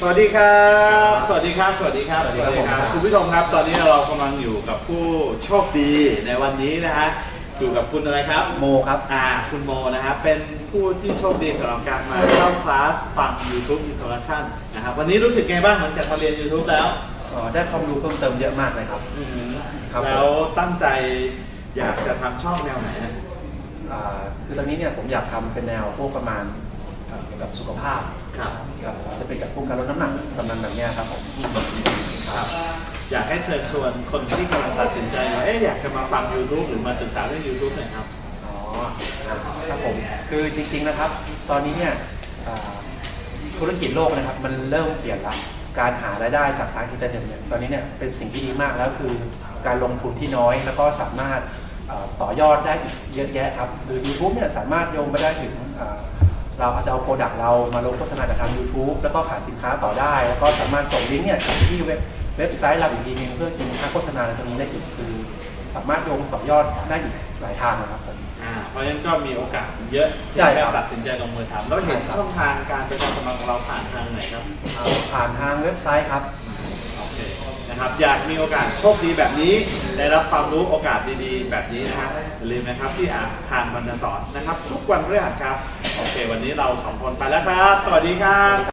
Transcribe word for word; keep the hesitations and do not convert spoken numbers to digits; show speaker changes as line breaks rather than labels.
วัสดีครับสวัสดีครับสวัสดีครับสวัสดีครับคุณผู้ชมครับตอนนี้เรากำลังอยู่กับผู้โชคดีในวันนี้นะฮะอยู่กับคุณอะไรครับ
โมครับ
อ่าคุณโมนะครับเป็นผู้ที่โชคดีสำหรับการมาเข้าคลาสฟัง YouTube Introduction นะครับวันนี้รู้สึกไงบ้างหลังจากมาเรียน YouTube แล้ว
อ๋อได้ความรู้เพิ่มเติมเยอะมากเลยครับ
ครับแล้วตั้งใจอยากจะทำช่องแนวไหนฮะ
อ่าคือตอนนี้เนี่ยผมอยากทำเป็นแนวพวกประมาณเกี่ยวกับสุขภาพ
ครับ
ครับจะเป็นกับพวกการลดน้ำหนักประมาณแบบนี้ครับผม
ครับอยากให้เชิญชวนคนที่กำลังตัดสินใจว่าเอ๊ะอยากจะมาฟัง YouTube หรือมาศึกษาเรื่อง YouTube หน่อยครับ
อ๋อครับผมคือจริงๆนะครับตอนนี้เนี่ยธุรกิจโลกนะครับมันเริ่มเปลี่ยนละการหารายได้จากทางอินเทอร์เน็ตเนี่ยตอนนี้เนี่ยเป็นสิ่งที่ดีมากแล้วคือการลงทุนที่น้อยแล้วก็สามารถต่อยอดได้อีกเยอะแยะครับหรือ YouTube เนี่ยสามารถโยงไปได้ถึงเราอาจจะเอาโปรดักต์เรามาลงโฆษณากับทาง YouTube แล้วก็ขายสินค้าต่อได้แล้วก็สามารถส่งลิงก์เนี่ยไปที่เว็บเว็บไซต์เราอีกทีนึงเพื่อกินค่าโฆษณาตรงนี้ได้อีกคือสามารถโยงต่อยอดได้อีกหลายทางนะครับ
อ่าเพราะฉะนั้นก็มีโอกาสเยอะที่จะตัดสินใจลงมือทำแล้วเห็นช่องทางการไปทำสมัครของเราผ่านทางไหนครับ
ผ่านทางเว็บไซต์ครับ
โอเคนะครับอยากมีโอกาสโชคดีแบบนี้ได้รับความรู้โอกาสดีๆแบบนี้นะครับอย่าลืมนะครับที่อ่านทางบรรณสอนนะครับทุกวันพฤหัสครับโอเควันนี้เราสองคนไปแล้วครับสวัสดีครับ